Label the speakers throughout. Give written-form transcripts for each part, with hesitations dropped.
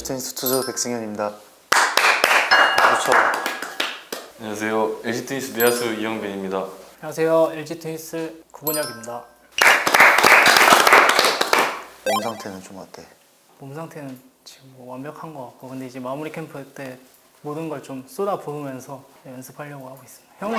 Speaker 1: LG트윈스 투수 백승현입니다. 그렇죠.
Speaker 2: 안녕하세요. LG트윈스 내야수 이영빈입니다.
Speaker 3: 안녕하세요. LG트윈스 구본혁입니다.
Speaker 1: 몸 상태는 좀 어때?
Speaker 3: 몸 상태는 지금 뭐 완벽한 것 같고, 근데 이제 마무리 캠프 때 모든 걸 좀 쏟아 부으면서 연습하려고 하고 있습니다. 형은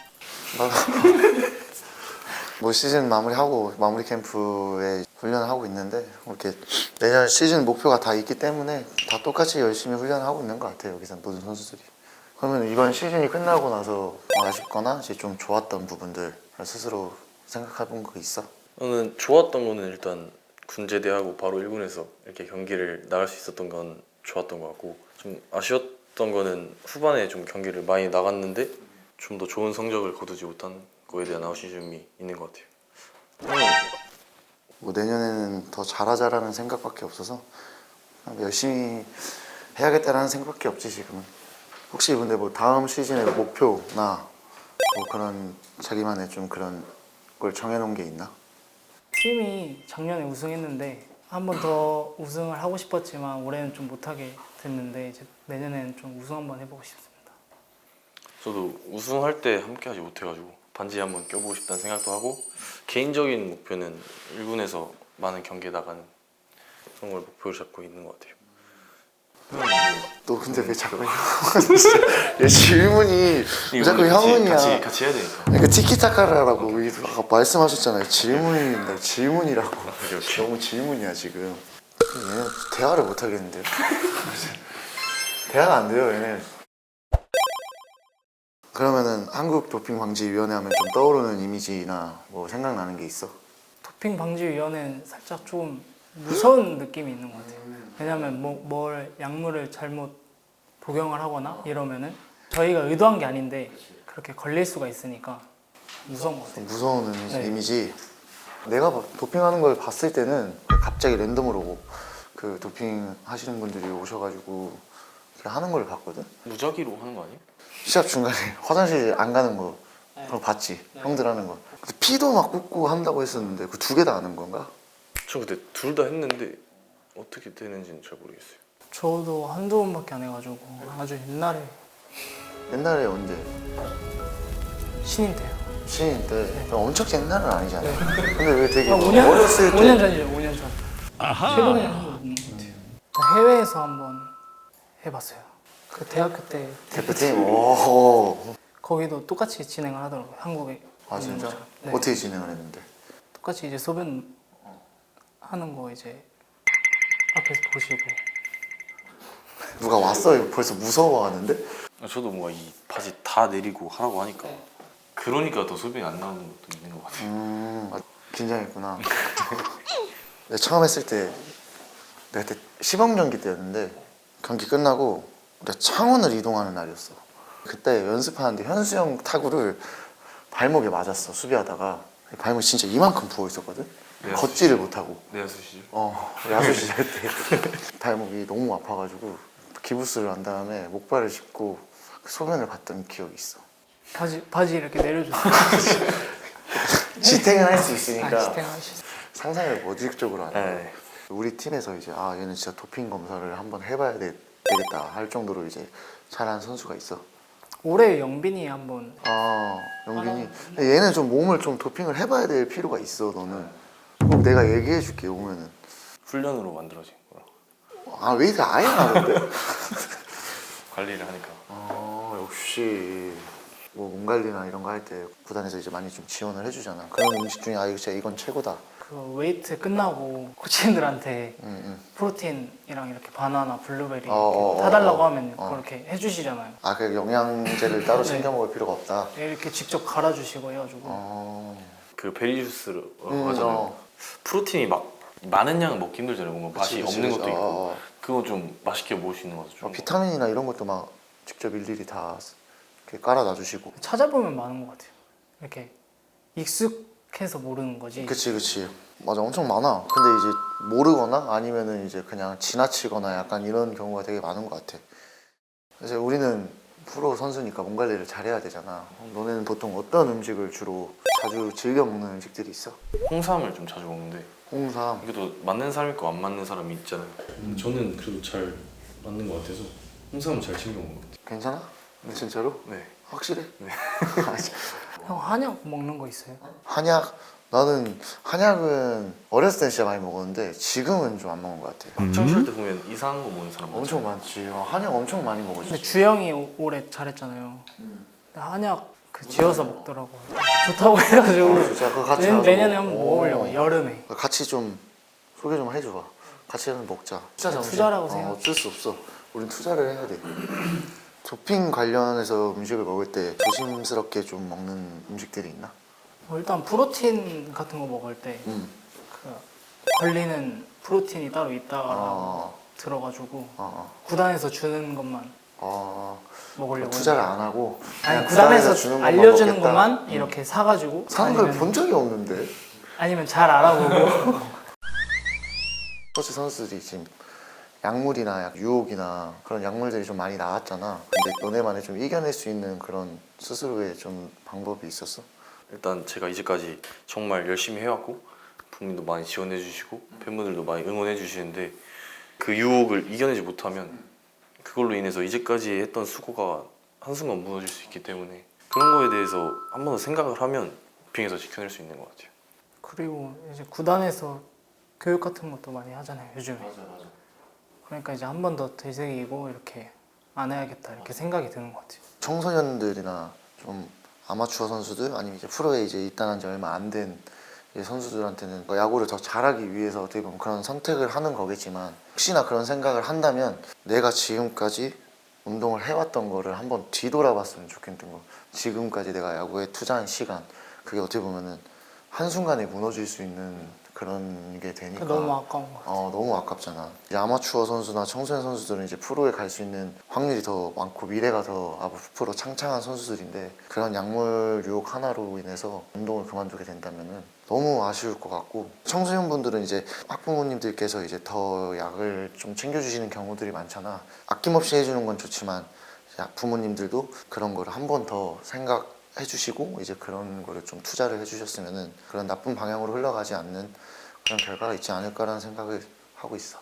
Speaker 1: 뭐 시즌 마무리하고 마무리 캠프에 훈련을 하고 있는데 이렇게 내년 시즌 목표가 다 있기 때문에 다 똑같이 열심히 훈련을 하고 있는 것 같아요. 여기서 모든 선수들이. 그러면 이번 시즌이 끝나고 나서 아쉽거나 이제 좀 좋았던 부분들 스스로 생각해 본 거 있어?
Speaker 2: 저는 좋았던 거는 일단 군제대하고 바로 1군에서 이렇게 경기를 나갈 수 있었던 건 좋았던 것 같고, 좀 아쉬웠던 거는 후반에 좀 경기를 많이 나갔는데 좀 더 좋은 성적을 거두지 못한 거에 대한 아쉬움이 있는 것 같아요.
Speaker 1: 뭐 내년에는 더 잘하자라는 생각밖에 없어서 열심히 해야겠다라는 생각밖에 없지 지금은. 혹시 근데 뭐 다음 시즌의 목표나 뭐 그런 자기만의 좀 그런 걸 정해놓은 게 있나?
Speaker 3: 팀이 작년에 우승했는데 한 번 더 우승을 하고 싶었지만 올해는 좀 못하게 됐는데, 이제 내년에는 좀 우승 한번 해보고 싶습니다.
Speaker 2: 저도 우승할 때 함께 하지 못해가지고 반지 한번 껴보고 싶다는 생각도 하고, 개인적인 목표는 1군에서 많은 경기에 나가는 그런 걸 목표로 잡고 있는 것 같아요.
Speaker 1: 너 근데 왜 자꾸 얘 질문이 왜 자꾸 형은이야.
Speaker 2: 같이 해야 되니까.
Speaker 1: 그러니까 티키타카라고 아까 말씀하셨잖아요. 질문인데 질문이라고. 너무 질문이야 지금. 얘는 대화를 못 하겠는데요. 대화가 안 돼요 얘네. 그러면은 한국 도핑 방지 위원회 하면 좀 떠오르는 이미지나 뭐 생각나는 게 있어?
Speaker 3: 도핑 방지 위원회는 살짝 좀 무서운 느낌이 있는 것 같아요. 왜냐면 뭘 약물을 잘못 복용을 하거나 이러면은 저희가 의도한 게 아닌데 그렇게 걸릴 수가 있으니까 무서운 것 같아요.
Speaker 1: 무서운
Speaker 3: 네.
Speaker 1: 이미지. 내가 도핑하는 걸 봤을 때는 갑자기 랜덤으로 그 도핑 하시는 분들이 오셔가지고 이렇게 하는 걸 봤거든.
Speaker 2: 무작위로 하는 거 아니에요?
Speaker 1: 시합 중간에 화장실 안 가는 거 그런 거 봤지? 형들 하는 거. 근데 피도 막 꽂고 한다고 했었는데 그 두 개 다 하는 건가?
Speaker 2: 저 그때 둘 다 했는데 어떻게 되는지는 잘 모르겠어요.
Speaker 3: 저도 한두 번밖에 안 해가지고 아주
Speaker 1: 옛날에 언제?
Speaker 3: 신인 때요.
Speaker 1: 신인 때? 엄청 옛날은 아니잖아. 근데 왜 되게
Speaker 3: 5년?
Speaker 1: 어렸을 때
Speaker 3: 5년 전이죠. 5년 전. 최근에 한 거 없는 것 같아요. 해외에서 한번 해봤어요. 그 대학교 때
Speaker 1: 대표팀? 오.
Speaker 3: 거기도 똑같이 진행을 하더라고요. 한국에
Speaker 1: 아
Speaker 3: 있는
Speaker 1: 진짜?
Speaker 3: 것처럼. 네.
Speaker 1: 어떻게 진행을 했는데?
Speaker 3: 똑같이 이제 소변 하는 거 이제 앞에서 보시고.
Speaker 1: 누가 왔어? 벌써 무서워하는데?
Speaker 2: 저도 뭔가 이 바지 다 내리고 하라고 하니까 그러니까 더 소변이 안 나오는 것도 있는 것 같아요.
Speaker 1: 긴장했구나. 내가 처음 했을 때 내가 그때 시범경기 때였는데 경기 끝나고 내가 창원을 이동하는 날이었어. 그때 연습하는데 현수 형 타구를 발목에 맞았어. 수비하다가 발목이 진짜 이만큼 부어 있었거든. 걷지를 못하고.
Speaker 2: 내야수 시절?
Speaker 1: 야수 시절 때 발목이 너무 아파가지고 기부스를 한 다음에 목발을 짚고 소변을 봤던 기억이 있어.
Speaker 3: 바지 이렇게 내려줬어요.
Speaker 1: 지탱은 할 수 있으니까
Speaker 3: 지탱하시죠.
Speaker 1: 상상을 모직적으로 하네.
Speaker 2: 네.
Speaker 1: 우리 팀에서 이제 얘는 진짜 도핑 검사를 한번 해봐야 되겠다 할 정도로 이제 잘하는 선수가 있어.
Speaker 3: 올해 영빈이 한번
Speaker 1: 영빈이. 근데 얘는 좀 몸을 좀 도핑을 해봐야 될 필요가 있어. 너는 꼭 내가 얘기해줄게 오면은.
Speaker 2: 훈련으로 만들어진 거라
Speaker 1: 왜 이렇게 아예 안 하는데?
Speaker 2: 관리를 하니까.
Speaker 1: 역시 뭐 몸 관리나 이런 거 할 때 구단에서 이제 많이 좀 지원을 해주잖아. 그런 음식 중에 이거 진짜 이건 최고다.
Speaker 3: 그 웨이트 끝나고 코치님들한테
Speaker 1: 응.
Speaker 3: 프로틴이랑 이렇게 바나나, 블루베리
Speaker 1: 어,
Speaker 3: 이렇게 사달라고 하면 그렇게 해주시잖아요.
Speaker 1: 그 영양제를 따로 챙겨 먹을 필요가 없다.
Speaker 3: 이렇게 직접 갈아주시고 해가지고
Speaker 2: 그 베리 주스를 하잖아요. 프로틴이 막 많은 양을 먹기 힘들잖아요. 뭔가 맛이
Speaker 1: 그치,
Speaker 2: 없는
Speaker 1: 그치.
Speaker 2: 것도 있고 그거 좀 맛있게 먹을 수 있는 것도 좀
Speaker 1: 비타민이나 이런 것도 막 직접 일일이 다 이렇게 깔아 놔주시고.
Speaker 3: 찾아보면 많은 것 같아요. 이렇게 익숙해서 모르는 거지.
Speaker 1: 그치 맞아, 엄청 많아. 근데 이제 모르거나 아니면은 이제 그냥 지나치거나 약간 이런 경우가 되게 많은 것 같아. 그래서 우리는 프로 선수니까 몸 관리를 잘해야 되잖아. 너네는 보통 어떤 음식을 주로 자주 즐겨 먹는 음식들이 있어?
Speaker 2: 홍삼을 좀 자주 먹는데
Speaker 1: 홍삼.
Speaker 2: 이게 또 맞는 사람 있고 안 맞는 사람이 있잖아요. 저는 그래도 잘 맞는 것 같아서 항상 잘 챙겨온 것 같아요.
Speaker 1: 괜찮아? 근데 진짜로?
Speaker 2: 네.
Speaker 1: 확실해?
Speaker 2: 네.
Speaker 3: 형 한약 먹는 거 있어요?
Speaker 1: 한약? 나는 한약은 어렸을 때 진짜 많이 먹었는데 지금은 좀 안 먹는 것 같아.
Speaker 2: 학창 시절 때 보면 이상한 거 먹는 사람
Speaker 1: 엄청 많지. 한약 엄청 많이 먹었지.
Speaker 3: 근데 주영이 올해 잘했잖아요. 근데 한약 그 지어서 먹더라고요. 좋다고 해가지고
Speaker 1: 진짜 그거 같이 가서
Speaker 3: 내년에
Speaker 1: 먹-
Speaker 3: 한번
Speaker 1: 오.
Speaker 3: 먹으려고 여름에.
Speaker 1: 같이 좀 소개 좀 해줘봐. 같이 한번 먹자.
Speaker 3: 투자라고 생각-
Speaker 1: 어쩔 수 없어. 우린 투자를 해야 돼. 도핑 관련해서 음식을 먹을 때 조심스럽게 좀 먹는 음식들이 있나?
Speaker 3: 일단 프로틴 같은 거 먹을 때
Speaker 1: 음.
Speaker 3: 그 걸리는 프로틴이 따로 있다고
Speaker 1: 어,
Speaker 3: 들어가지고
Speaker 1: 어,
Speaker 3: 구단에서 주는 것만
Speaker 1: 어.
Speaker 3: 먹으려고
Speaker 1: 투자를
Speaker 3: 했는데.
Speaker 1: 안 하고
Speaker 3: 아니
Speaker 1: 그냥
Speaker 3: 구단에서
Speaker 1: 주는 것만
Speaker 3: 알려주는
Speaker 1: 먹겠다.
Speaker 3: 것만 이렇게 사가지고
Speaker 1: 사는 걸
Speaker 3: 아니면-
Speaker 1: 본 적이 없는데.
Speaker 3: 아니면 잘 알아보고
Speaker 1: 스포츠 선수들이 지금 약물이나 유혹이나 그런 약물들이 좀 많이 나왔잖아. 근데 너네만의 좀 이겨낼 수 있는 그런 스스로의 좀 방법이 있었어?
Speaker 2: 일단 제가 이제까지 정말 열심히 해왔고 부모님도 많이 지원해 주시고 팬분들도 많이 응원해 주시는데 그 유혹을 이겨내지 못하면 그걸로 인해서 이제까지 했던 수고가 한순간 무너질 수 있기 때문에 그런 거에 대해서 한 번 더 생각을 하면 도핑에서 지켜낼 수 있는 것 같아요.
Speaker 3: 그리고 이제 구단에서 교육 같은 것도 많이 하잖아요 요즘에.
Speaker 1: 맞아.
Speaker 3: 그러니까 이제 한 번 더 되새기고 이렇게 안 해야겠다 이렇게 생각이 드는 것 같아요.
Speaker 1: 청소년들이나 좀 아마추어 선수들 아니면 이제 프로에 이제 입단한 지 얼마 안 된 선수들한테는 야구를 더 잘하기 위해서 어떻게 보면 그런 선택을 하는 거겠지만 혹시나 그런 생각을 한다면 내가 지금까지 운동을 해왔던 거를 한번 뒤돌아봤으면 좋겠는 거. 지금까지 내가 야구에 투자한 시간 그게 어떻게 보면은 한순간에 무너질 수 있는 그런 게 되니까
Speaker 3: 너무 아까운 것 같아요.
Speaker 1: 너무 아깝잖아. 이제 아마추어 선수나 청소년 선수들은 이제 프로에 갈 수 있는 확률이 더 많고 미래가 더 앞으로 창창한 선수들인데 그런 약물 유혹 하나로 인해서 운동을 그만두게 된다면은 너무 아쉬울 것 같고 청소년 분들은 이제 학부모님들께서 이제 더 약을 좀 챙겨주시는 경우들이 많잖아. 아낌없이 해주는 건 좋지만 부모님들도 그런 거를 한 번 더 생각해주시고 이제 그런 거를 좀 투자를 해주셨으면은 그런 나쁜 방향으로 흘러가지 않는 그런 결과가 있지 않을까라는 생각을 하고 있어.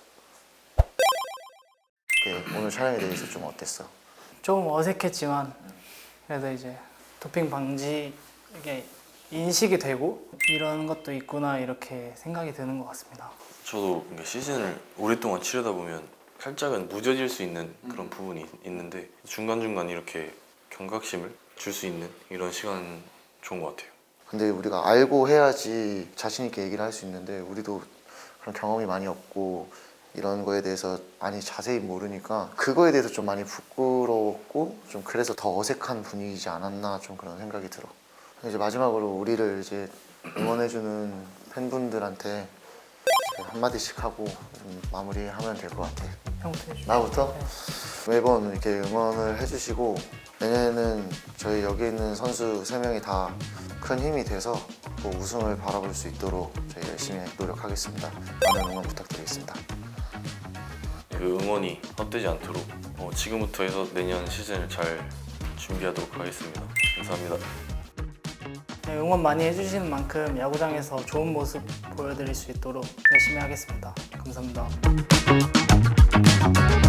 Speaker 1: 오늘 촬영에 대해서 좀 어땠어?
Speaker 3: 조금 어색했지만 그래도 이제 도핑 방지 이게 인식이 되고 이런 것도 있구나 이렇게 생각이 드는 것 같습니다.
Speaker 2: 저도 그러니까 시즌을 오랫동안 치르다 보면 살짝은 무뎌질 수 있는 그런 부분이 있는데 중간중간 이렇게 경각심을 줄 수 있는 이런 시간은 좋은 것 같아요.
Speaker 1: 근데 우리가 알고 해야지 자신 있게 얘기를 할 수 있는데 우리도 그런 경험이 많이 없고 이런 거에 대해서 많이 자세히 모르니까 그거에 대해서 좀 많이 부끄러웠고 좀 그래서 더 어색한 분위기지 않았나 좀 그런 생각이 들어. 이제 마지막으로 우리를 이제 응원해주는 팬분들한테 이제 한마디씩 하고 좀 마무리하면 될 것 같아.
Speaker 3: 형태 주
Speaker 1: 나부터? 매번 이렇게 응원을 해주시고 내년에는 저희 여기 있는 선수 3명이 다 큰 힘이 돼서 꼭 우승을 바라볼 수 있도록 저희 열심히 노력하겠습니다. 많은 응원 부탁드리겠습니다.
Speaker 2: 그 응원이 헛되지 않도록 지금부터 해서 내년 시즌을 잘 준비하도록 하겠습니다. 감사합니다.
Speaker 3: 네, 응원 많이 해주시는 만큼 야구장에서 좋은 모습 보여드릴 수 있도록 열심히 하겠습니다. 감사합니다.